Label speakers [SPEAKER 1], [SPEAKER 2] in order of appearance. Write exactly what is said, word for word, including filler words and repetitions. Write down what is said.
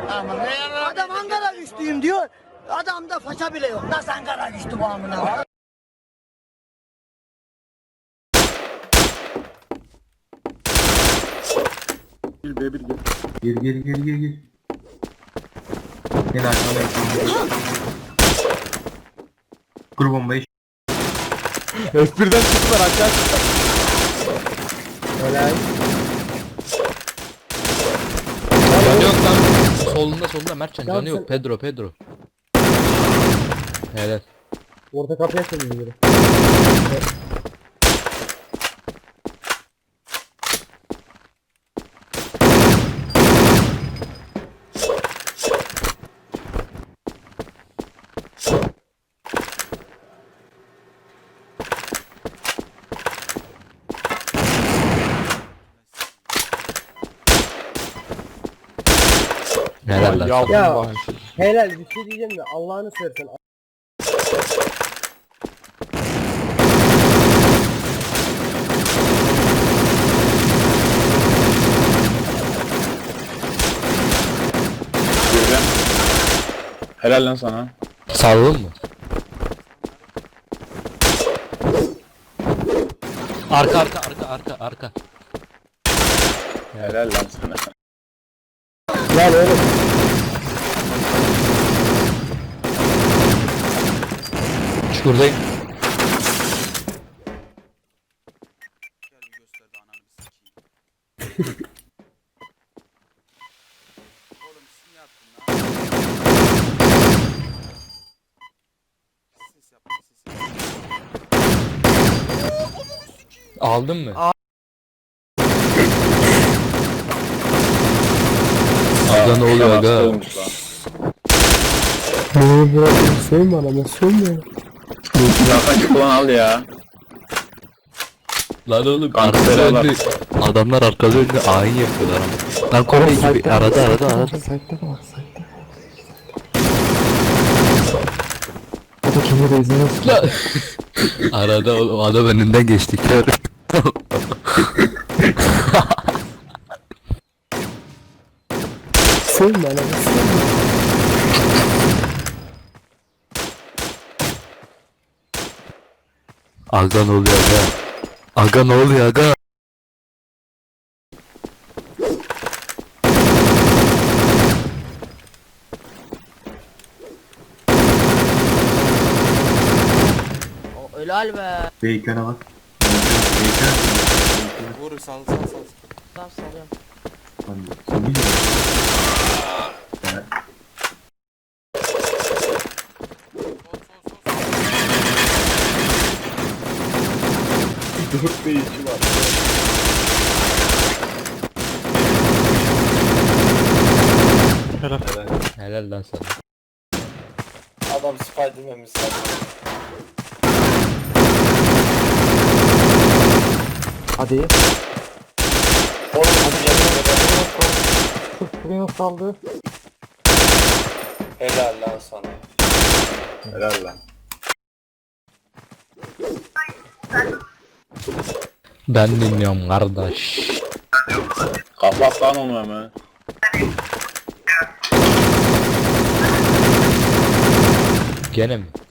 [SPEAKER 1] Aman ne yarar? Adam Ankara güçlüyüm diyor. Adamda faça bile yok. Nasıl Ankara güçlü bu amına?
[SPEAKER 2] Bir B bir gel.
[SPEAKER 3] Gir gir gir gir gir. Gel arkamda. Kur bombayı.
[SPEAKER 2] F birden çıktılar aşağı çıktılar.
[SPEAKER 3] Helal.
[SPEAKER 4] Canı yok lan. Solunda solunda Mertcan canı yok. Pedro Pedro. Helal.
[SPEAKER 3] Orta kapıya açalım biri.
[SPEAKER 4] Helal lan.
[SPEAKER 2] Yavrum
[SPEAKER 5] Ya.
[SPEAKER 2] bahane.
[SPEAKER 5] Helal bir şey diyeceğim de Allah'ını seversen.
[SPEAKER 2] Girdim. Helal lan sana.
[SPEAKER 4] Sağladın mı? Arka arka arka arka arka.
[SPEAKER 2] Helal lan sana.
[SPEAKER 5] Lan oğlum.
[SPEAKER 4] Çukurdayım.
[SPEAKER 6] Gel bir gösterdi ananı bir sikeyim. Oğlum siz ne yaptın lan? Ses yapma ses yapma.
[SPEAKER 4] Aldın mı? Aga ne oluyor
[SPEAKER 2] Hasta
[SPEAKER 4] aga?
[SPEAKER 2] olmuş lan.
[SPEAKER 5] Beni bırakın söyleme adama söyleme.
[SPEAKER 2] Silahtan çık ulan al ya.
[SPEAKER 4] Lan oğlum
[SPEAKER 2] Kanka
[SPEAKER 4] arkada
[SPEAKER 2] beraber.
[SPEAKER 4] önde. Adamlar arkada önde ayin yapıyorlar ama. Lan Kore gibi arada arada arada.
[SPEAKER 5] Sayıkta da var sayıkta. O da kendi de izlemez.
[SPEAKER 4] Lan. Arada o adam önünden geçti kör.
[SPEAKER 5] Söyleme adama söyleme.
[SPEAKER 4] Aga ne oluyor aga? Aga ne oluyor aga?
[SPEAKER 1] Helal be.
[SPEAKER 3] Beykan'a bak.
[SPEAKER 6] Vur sal sal sal.
[SPEAKER 1] Tamam salıyorum.
[SPEAKER 2] Dört ve iki var.
[SPEAKER 4] Helal lan sana.
[SPEAKER 6] Adam Spiderman misal.
[SPEAKER 5] Hadi.
[SPEAKER 6] Oğlum
[SPEAKER 5] Buraya saldı.
[SPEAKER 6] helal lan sana.
[SPEAKER 2] Helal lan.
[SPEAKER 4] Ben dinliyorum kardeş.
[SPEAKER 2] Kapat lan onu hemen.
[SPEAKER 4] Gene mi?